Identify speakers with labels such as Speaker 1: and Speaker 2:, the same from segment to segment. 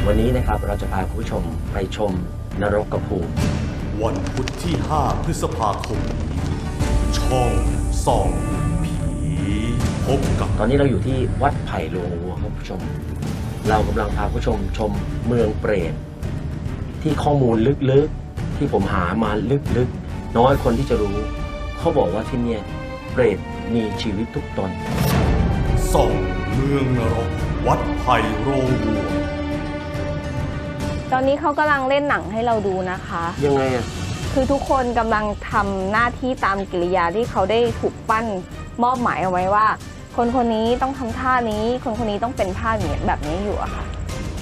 Speaker 1: วันนี้นะครับเราจะพาคุณผู้ชมไปชมนรกภูมิ
Speaker 2: วันพุธที่ 5 พฤษภาคมนี้ช่องส่องผีพบกับ
Speaker 1: ตอนนี้เราอยู่ที่วัดไผ่โลงวัวครับผู้ชมเรากำลังพาผู้ชมชมเมืองเปรตที่ข้อมูลลึกๆที่ผมหามาลึกๆน้อยคนที่จะรู้เขาบอกว่าที่นี่เปรตมีชีวิตทุกตน
Speaker 2: ส่องเมืองนรกวัดไผ่โรงวัว
Speaker 3: ตอนนี้เขากำลังเล่นหนังให้เราดูนะคะ
Speaker 1: ยังไงอ่ะ
Speaker 3: คือทุกคนกำลังทำหน้าที่ตามกิริยาที่เขาได้ถูกปั้นมอบหมายเอาไว้ว่าคนคนนี้ต้องทำท่านี้คนคนนี้ต้องเป็นท่านี้แบบนี้อยู่อะค่ะ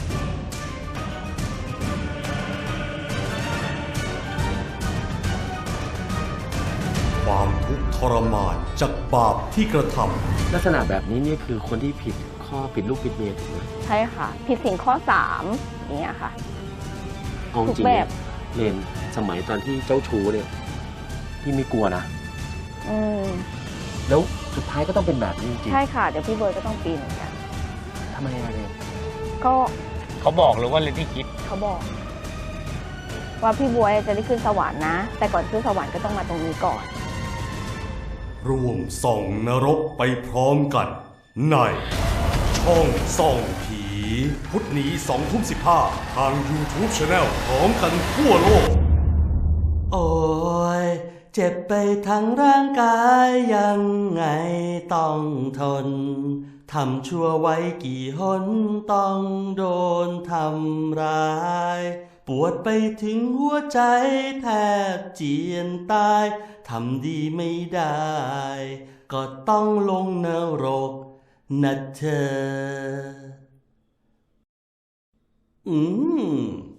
Speaker 2: ความทุกข์ทรมานจากบาปที่กระท
Speaker 1: ำลักษณะแบบนี้นี่คือคนที่ผิดข้อผิดลูกผิดเมียถูกไหม
Speaker 3: ใช่ค่ะผิดศีลข้อ3อย่างเงี้ยค่ะ
Speaker 1: ทุกแบบเรียนสมัยตอนที่เจ้าชู้เนี่ยที่ไม่กลัวนะแล้วสุดท้ายก็ต้องเป็นแบบนี้จริง
Speaker 3: ใช่ค่ะเดี๋ยวพี่เบิร์ดก็ต้องปีนเหมือนกัน
Speaker 1: ทำไมอะไร
Speaker 3: ก็
Speaker 4: เขาบอกหรือว่าเรนที่คิด
Speaker 3: เขาบอกว่าพี่บัวจะได้ขึ้นสวรรค์นะแต่ก่อนขึ้นสวรรค์ก็ต้องมาตรงนี้ก่อน
Speaker 2: ร่วมส่องนรกไปพร้อมกันในช่องส่องผีพุธนี้ 20:15 ทาง YouTube Channel พร้อมกันทั่วโลก
Speaker 5: โอ้ยเจ็บไปทั้งร่างกายยังไงต้องทนทำชั่วไว้กี่หนต้องโดนทำร้ายปวดไปถึงหัวใจแทบเจียนตายทำดีไม่ได้ก็ต้องลงนรกนะเธอ